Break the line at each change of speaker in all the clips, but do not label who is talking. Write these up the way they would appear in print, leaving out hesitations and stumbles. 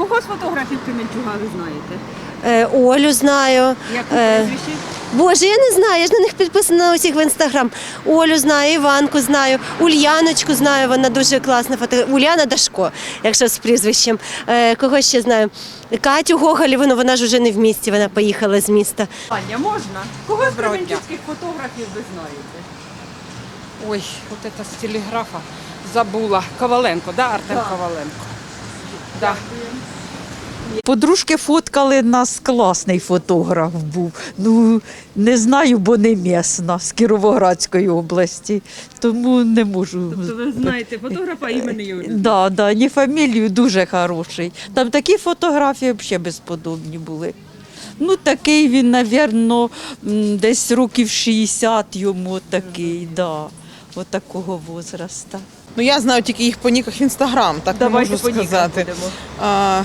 Кого з фотографів Кременчуга ви знаєте?
Олю знаю.
Як прізвище?
Боже, я не знаю, я ж на них підписана на усіх в інстаграм. Олю знаю, Іванку знаю, Ульяночку знаю, вона дуже класна фотографія. Уляна Дашко, якщо з прізвищем. Кого ще знаю? Катю Гоголєву, вона ж вже не в місті, вона поїхала з міста.
Аня, можна? Кого з кременчуцьких фотографів ви знаєте?
Ой, вот это с телеграфа забула. Коваленко, да, Артем Коваленко. Да.
Подружки фоткали нас, класний фотограф був. Ну, не знаю, бо не місна, з Кіровоградської області, тому не можу.
Тобто ви знаєте фотографа імені Юрія?
Да, ні фамілію, дуже хороший. Там такі фотографії взагалі безподобні були. Ну, такий він, мабуть, десь років 60 йому такий, да, от такого возраста.
Ну, я знаю тільки їх по ніках в Інстаграм, так
Давайте
не можу
по нікам
сказати.
будемо.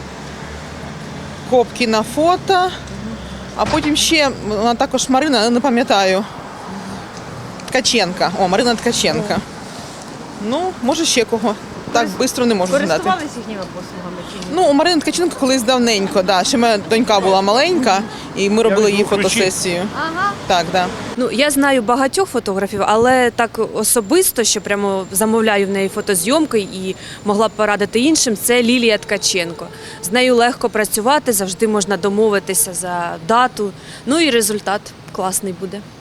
Копкіна фото, а потім ще вона також Марина, не пам'ятаю. Ткаченка. О, Марина Ткаченка. Ну, може ще кого. Так швидко не можу згадати.
Користувалися їхніми послугами чи ні?
Ну, у Марини Ткаченко колись давненько, да. Ще моя донька була маленька, і ми робили її фотосесію. Так, да.
Ну, я знаю багатьох фотографів, але так особисто, що прямо замовляю в неї фотозйомки і могла б порадити іншим, це Лілія Ткаченко. З нею легко працювати, завжди можна домовитися за дату, ну і результат класний буде.